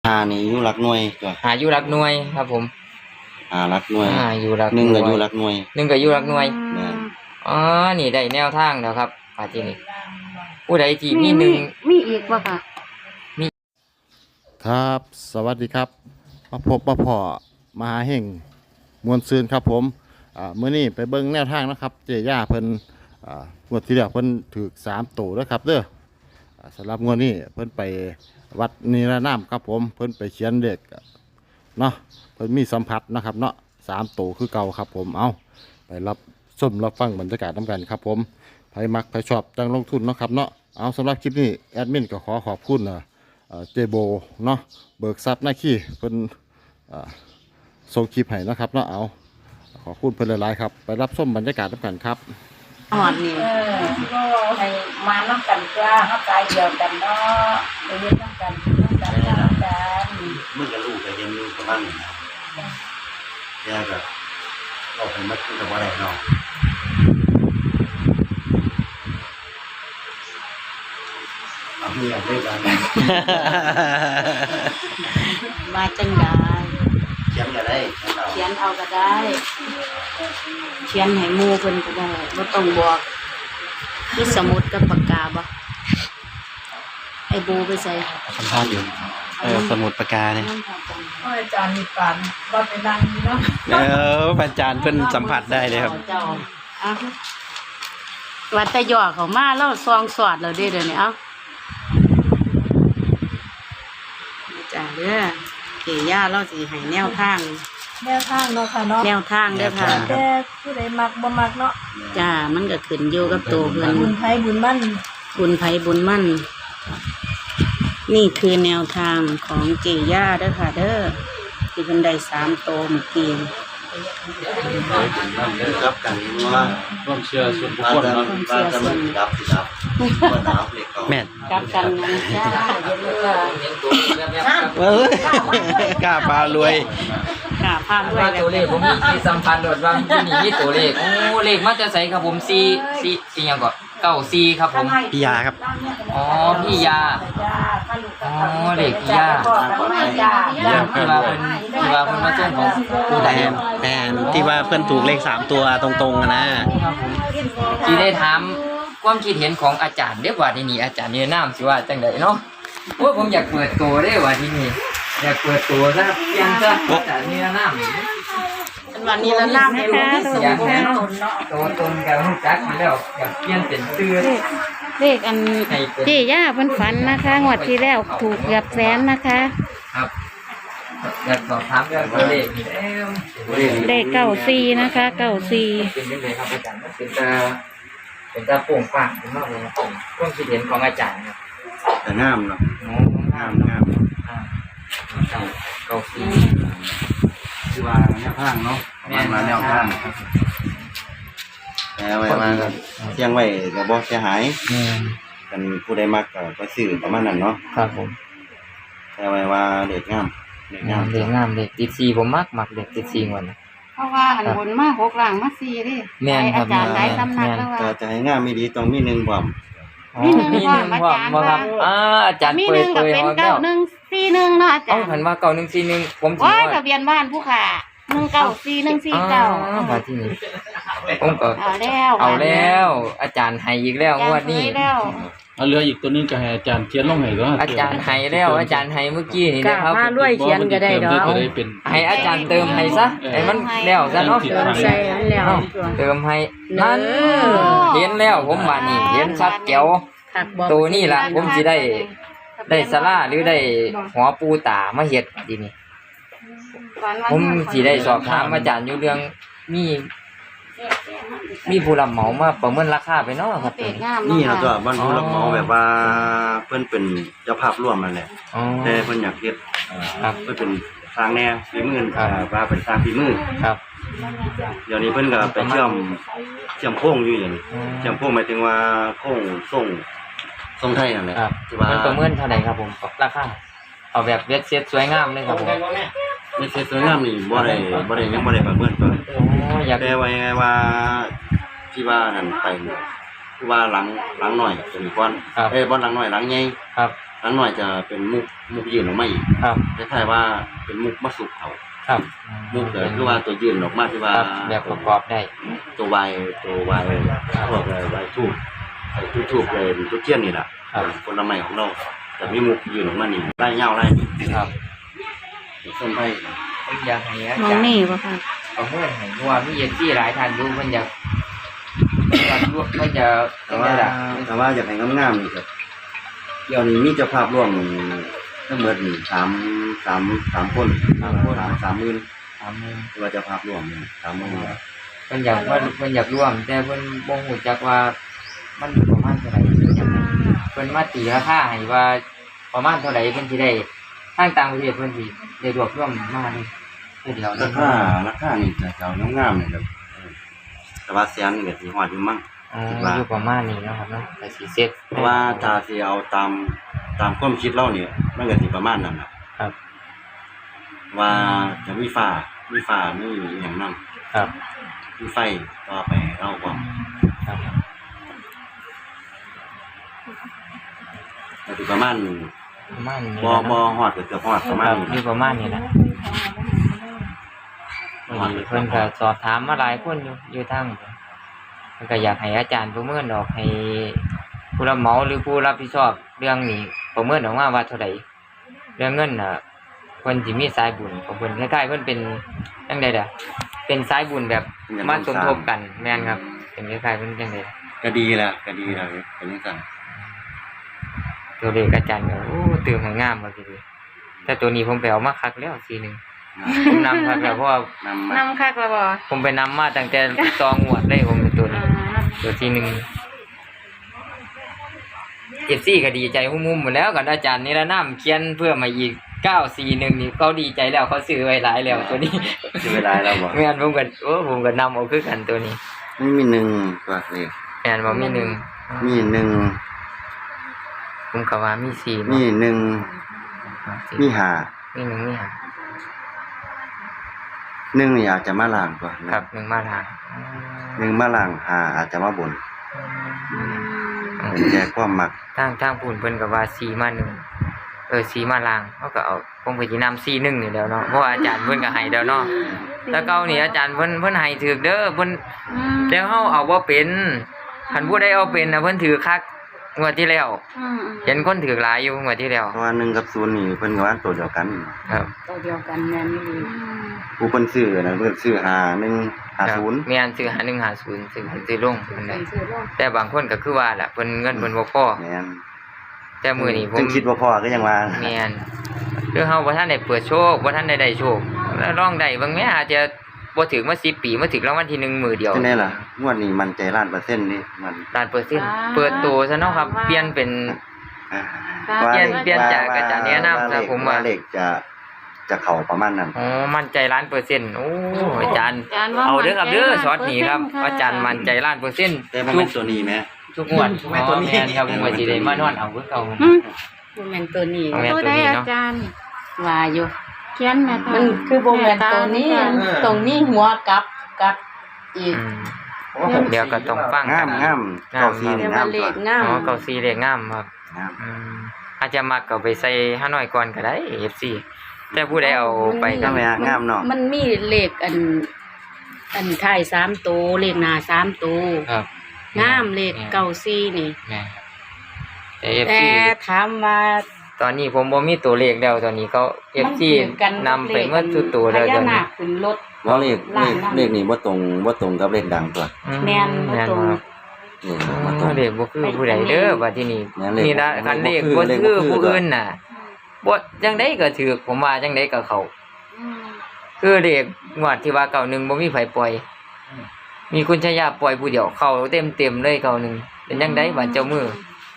หานี่อยู่หลักหน่วยตัวหาอยู่หลักหน่วยครับผมหลักหน่วยอยู่หลักหนึ่งก็อยู่หลักหน่วย 1ก็อยู่หลักหน่วยแม่นอ๋อนี่ได้แนวทางแล้วครับป่าที่นี่ผู้ใดที่มีหนึ่งมีอีกบ่ค่ะครับสวัสดีครับมาพบมาพอมหาเฮงมวลซืนครับผมมื้อนี้ไปเบิ่งแนวทางนะครับเจย่าเพิ่นงวดที่แล้วเพิ่นถูก3ตัวแล้วครับเด้อสำหรับงวดนี้เพิ่นไปวัดนิรนามครับผมเพิ่นไปเขียนเลขเนาะเพิ่นมีสัมผัสนะครับเนาะ3ตัวคือเก่าครับผมเอาไปรับชมรับฟังบรรยากาศนำกันครับผมใครมักใครชอบจังลงทุนเนาะครับเนาะเอาสำหรับคลิปนี้แอดมินก็ขอขอบคุณเจโบเนาะเบิกทรัพย์หน้าขี้เพิ่นส่งคลิปให้นะครับเนาะเอาขอบคุณเพิ่นหลายๆครับไปรับชมบรรยากาศนำกันครับหอดนี่ให้มาน้ำกันจ้าเขาตายเดียวกันเนาะไปเรียนน้ำกันมึงกับลูกก็ยังอยู่ประมาณนี้นะแย่ก็เราไปมัดกับว่าอะไรเนาะเอาเมียด้วยกันมาจังได้เขียนก็ได้เขียนเอาก็ได้เขียนให้หมู่เพิ่นก็ได้บ่ต้องบอกมีสมุดกับปากกาบ่ไอ้บูไปใส่สัมภาษณ์อยู่สมุดปากกาเนี่ยอาจารย์มีปานว่าไปนั่งเนาะอาจารย์เพิ่นสัมผัสได้เลยครับวัดตะยอเขามาแล้วซองสอดแล้วเด้อเดี๋ยวนี้เอ้าจ้าเด้อเกี่ย่าเราสิให้แนวทางเนาะค่ะเนาะแนวทางเด้อค่ะแต่ผู้ใดมักบ่มักเนาะจ้ามันก็ขึ้นอยู่กับตัวเพิ่นบุญไผบุญมั่นบุญไผบุญมั่นนี่คือแนวทางของเกี่ย่าเด้อค่ะเด้อที่เพิ่นได้3โตเมื่อกี้รับกันว่าร่วมเชื่อส่วนบุคคลว่าจะมันรับว่าน้ำเล็กแม่นกับกันนะจ้ากล้าพารวยกล้าพารวยตัวเลขผมมีสัมพันธ์โดดว่ามีตัวเลขโอ้เลขมาจะใส่ครับผม4ยังก็94ครับผมพี่ยาครับอ๋อพี่ยาอ๋อเด็กพี่ยาที่ว่าเพิ่นมาส่งของผู้ใดแม่นที่ว่าเพิ่นถูกเลข3ตัวตรงๆนะที่ได้ถามความคิดเห็นของอาจารย์เด้อว่าที่นี่อาจารย์นี่นามสิว่าจังได๋เนาะโอ้ผมอยากเปิดตัวเด้อว่าที่นี่อยากเปิดตัวซะเปลี่ยนซะอาจารย์นี่นามวันนี้ละน้ำให้ลูกที่สุดตัวตนกับรู้จักมาแล้วอยากเปลี่ยนเป็นชื่อเลขอันเจ๊ย่าเพิ่นฝันนะคะงวดที่แล้วถูกเกือบแสนนะคะครับอยากสอบถามเรื่องตัวเลขเลข94นะคะ94 เป็นยังไงครับอาจารย์เป็นตาโป่งปากมากเลยครับความคิดเห็นของอาจารย์ครับแต่งามเนาะงามคือว่าแนวทางเนาะมาแนวทางแต่ไว้มาก็เที่ยงไว้ก็บ่เสียหายกันผู้ใดมักก็ซื้อประมาณนั้นเนาะครับผมแต่ไว้ว่าเด็กงามเด็กติด4ผมมักเด็กติด4วันเพราะว่าอันบนมา6ล่างมา4เด้อาจารย์ได้ตำหนักแล้วว่าจะให้งามมีดีต้องมี1ความมี1ความอาจารย์ว่าอาจารย์เปิดก็เป็น9141เนาะอาจารย์เห็นว่า9141ผมสิว่าทะเบียนบ้านผู้ค่ะ194149 มาที่นี่ผมก็เอาแล้ว อาจารย์ให้อีกแล้วงวดนี้เอาเหลืออีกตัวนึงก็ให้อาจารย์เขียนลงให้ก็อาจารย์ให้แล้วอาจารย์ให้เมื่อกี้นี่นะครับพารวยเขียนก็ได้ดอกให้อาจารย์เติมให้ซะให้มันแล้วซะเนาะใส่แล้วเติมให้นั่นเห็นแล้วผมว่านี่เห็นชัดแจ๋วตัวนี้ล่ะผมสิได้ศาลาหรือได้หอปูตามาเฮ็ดทีนี้ผมสิได้สอบถามอาจารย์อยู่เรื่องมีผู้รับเหมามาประเมินราคาไปเนาะครับนี่ครับตัวบ้านผู้รับเหมาแบบว่าเพิ่นเป็นเจ้าภาพร่วมนั่นแหละแต่เพิ่นอยากเฮ็ดครับเพิ่นเป็นสร้างแนวฝีมือว่าเป็นสร้างฝีมือครับเดี๋ยวนี้เพิ่นก็ไปเชื่อมโค้งอยู่อย่างนี้เชื่อมโค้งหมายถึงว่าโค้งทรงไทยนั่นแหละที่ว่าประเมินเท่าไหร่ครับผมราคาเอาแบบเวทเซ็ตสวยงามเลยครับผมไม่ใช่สวยงามนี่บ่ได้ยังบ่ได้ประเมินตัวแต่ไว้ว่าที่ว่านั่นไปคือว่าหลังหน่อยเป็นก้อนบ่หลังหน่อยหลังใหญ่ครับหลังหน่อยจะเป็นมุกยื่นออกมาอีกครับคล้ายๆว่าเป็นมุกมาสุกเขาครับมุกแต่คือว่าตัวยื่นออกมาที่ว่าครับแบบประกอบได้ตัววายพวกวายทูบไอ้ทูบเลยทุกเทียนนี่แหละครับผลไม้ของเราแต่มีมุกยื่นออกมานี่ไล่เงาไล่นี่ครับส้นไผ่ผมอยากให้อามองจารย์นี่บ่ค่ะประเมินให้เพราะว่ามีเอฟซีหลายท่านอยู่เพิ่นอยากเพิ่นจะแต่ว่าอยากให้งามๆนี่ครับเดี๋ยวนี้มีเจ้าภาพร่วมทั้งหมดนี่3คน30,000 30,000 ว่าเจ้าภาพร่วมนี่30,000 เพิ่นอยากร่วม แต่เพิ่นบ่ฮู้จักว่ามันประมาณเท่าไหร่เพิ่นอยากให้เพิ่นมาตีราคาให้ว่าประมาณเท่าไหร่เพิ่นสิได้ทางต่างประเทศเพิ่นสิได้รวบรวมมานี่เพื่อเดียวราคานี่จะเอางามๆนี่ครับแต่ว่าแสนนี่ก็สิฮอดอยู่มั้งอยู่ประมาณนี้เนาะครับเนาะแต่สิเซ็ตเพราะว่าถ้าสิเอาตามความคิดเราเนี่ยมันก็สิประมาณนั้นน่ะครับว่าจะมีฟ้ามีอหย่างนั้นครับมีไฟต่อไปเราก็ครับก็สิประมาณประมาณนี้บ่ฮอดก็เกือบฮอดประมาณนี้อยู่ประมาณนี้นะเพิ่นก็สอบถามมาหลายคนอยู่ทางเพิ่นก็อยากให้อาจารย์ประเมินออกให้ผู้รับเหมาหรือผู้รับผิดชอบเรื่องนี้ประเมินออกมาว่าเท่าใดเรื่องเงินน่ะเพิ่นสิมีสายบุญของเพิ่นคล้ายๆเพิ่นเป็นจังได๋ล่ะเป็นสายบุญแบบมาสมทบกันแม่นครับเป็นคล้ายๆเพิ่นจังได๋ก็ดีแล้วเป็นจังซั่นตัวเลขอาจารย์ก็โอ้ตื่นให้งามว่าสิแต่ตัวนี้ผมไปเอามาคักแล้ว41ผมนำคักแล้วเพราะว่านำคักแล้วบ่ผมไปนำมาตั้งแต่ตองวดเลยผมเป็นตัวนี้ตัวที่1เอฟซีก็ดีใจหุ้มๆหมดแล้วกับอาจารย์นี่ละน้ำเขียนเพื่อมาอีก941นี่เขาดีใจแล้วเขาซื้อไว้หลายแล้วตัวนี้สิเวลาแล้วบ่แม่นผมก็นำเอาคือกันตัวนี้ไม่มีหนึ่งตัวเลขแม่นบ่มี1 มีหนึ่งผมก็ว่ามี4 มีหนึ่งมีห้ามี1มี5 หนึ่งนี่อาจจะมาล่างกว่าครับ1มาทางหนึ่งมาล่างห้าอาจจะมาบนเป็นแค่ความมักทางพูนเพิ่นก็ว่า4มา1 4มาล่างเขาก็เอาผมก็สินำ41นี่แล้วเนาะเพราะว่าอาจารย์เพิ่นก็ให้แล้วเนาะแต่เก่านี่อาจารย์เพิ่นให้ถูกเด้อเพิ่นแล้วเฮาเอาบ่เป็นคันผู้ใดเอาเป็นน่ะเพิ่นถือคักงวดที่แล้วเห็นคนถือหลายอยู่งวดที่แล้วเพราะว่า1กับ0นี่เพิ่นก็ว่าตัวเดียวกันครับตัวเดียวกันแม่นอยู่ผู้เพิ่นซื้อนะเพิ่นซื้อ5150 มีอันซื้อ5150ซื้อลงเพิ่นได้ซื้อลงแต่บางคนก็คือว่าล่ะเพิ่นเงินเพิ่นบ่พอแม่นแต่มื้อนี้ผมจึงคิดว่าพอก็ยังว่าแม่นคือเฮาบ่ทันได้เปิดโชคบ่ทันได้โชคแล้วลองได้บางแม่อาจจะบ่ถึงมา10 ปีมาถึงรางวัลที่1มื้อเดียวจังได๋ล่ะงวดนี้มั่นใจล้านเปอร์เซ็นต์นี่มันล้านเปอร์เซ็นต์เปิดตัวซะเนาะครับเปลี่ยนเป็น เปลี่ยนจากอาจารย์แนะนำครับผมว่าเลขจะเข้าประมาณนั้นอ๋อมั่นใจ1,000,000%โอ้อาจารย์ว่าเอาเด้อครับเด้อมั่นใจช็อตนี้ครับ 100% อาจารย์มั่นใจ1,000,000% แต่บ่แม่นตัวนี้แหมทุกงวดแม่นตัวนี้แม่นครับผมว่าสิได้มานอนเอาคือเก่าบ่แม่นตัวนี้บ่แม่นตัวตัวใดนี้อาเนาะจารย์ว่าอยู่เขียนแม่ตามันคือบ่แม่นตัวนี้ตรงนี้หัวกลับอีกเดี๋ยวก็ต้องฟังงามกันเก้าสี่เรีนี่ยกงาว่าม เลตัวขงามอ๋อเก่าซีเลขงามครับงามอาจจะมักก็ไปใส่ห้าน้อยก่อนก็ได้ FC แต่ผู้ใดเอาไปก็งามงามเนาะมันมีเลขอันท้าย3ตัวเลขหน้า3ตัวครับงามเลขเก้าสี่นี่แม่แต่แต่ FC ถามว่าตอนนี้ผมบ่มีตัวเลขแล้วตอนนี้เขา FC นำไปเมื่อทุกตัวแล้วพตญาอนนานี้คขึ้นรถว่าเลขนี่บ่ตรงกับเลขดังตัวแม่นบ่ตรงครับนี่บ่ตรงเลขบ่คือผู้ใดเด้อว่าที่นี่แม่นเลขนี่ละคันเลขบ่บ่คือคือผู้อื่นน่ะบ่จังได๋ก็ถูกผมว่าจังได๋ก็เข้าคือเลขงวดที่ว่า91บ่มีไผปล่อย มีคุณชายาปล่อยผู้เดียวเข้าเต็มๆเลย91เป็นจังได๋ว่าเจ้ามื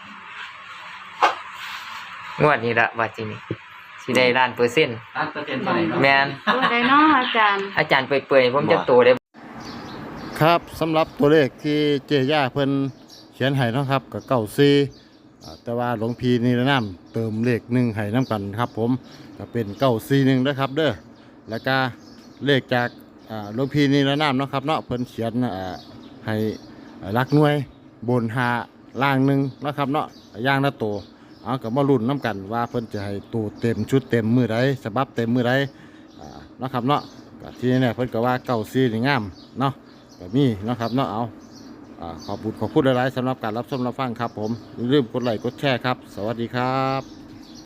องวดนี้ละว่าที่นี่สิได้1,000,000% แม่นตัวใดเนาะอาจารย์อาจารย์เปื่อยๆผมจะโตได้ครับสำหรับตัวเลขที่เจย่าเพิ่นเขียนให้เนาะครับกับ94แต่ว่าหลวงพี่นิรนามเติมเลข1ให้นํกันครับผมก็เป็น941นะครับเด้อแล้วก็เลขจากหลวงพี่นิรนามเนาะครับเนาะเพิ่นเขียนให้หลักหน่วยบน5ล่าง1เนาะครับเนาะอย่างละตัวเอากับมาลุ้นน้กันว่าเพิ่นจะให้ตัวเต็มชุดเต็มมือใดฉบับเต็มมือใดเนาะครับเนาะก็ที่นี่เพิ่นก็ว่าเก้าซีนี่งามเนาะก็มีเนาะครับเนาะเอาขอบคุณหลายๆสำหรับการรับชมรับฟังครับผมอย่าลืมกดไลค์กดแชร์ครับสวัสดีครับ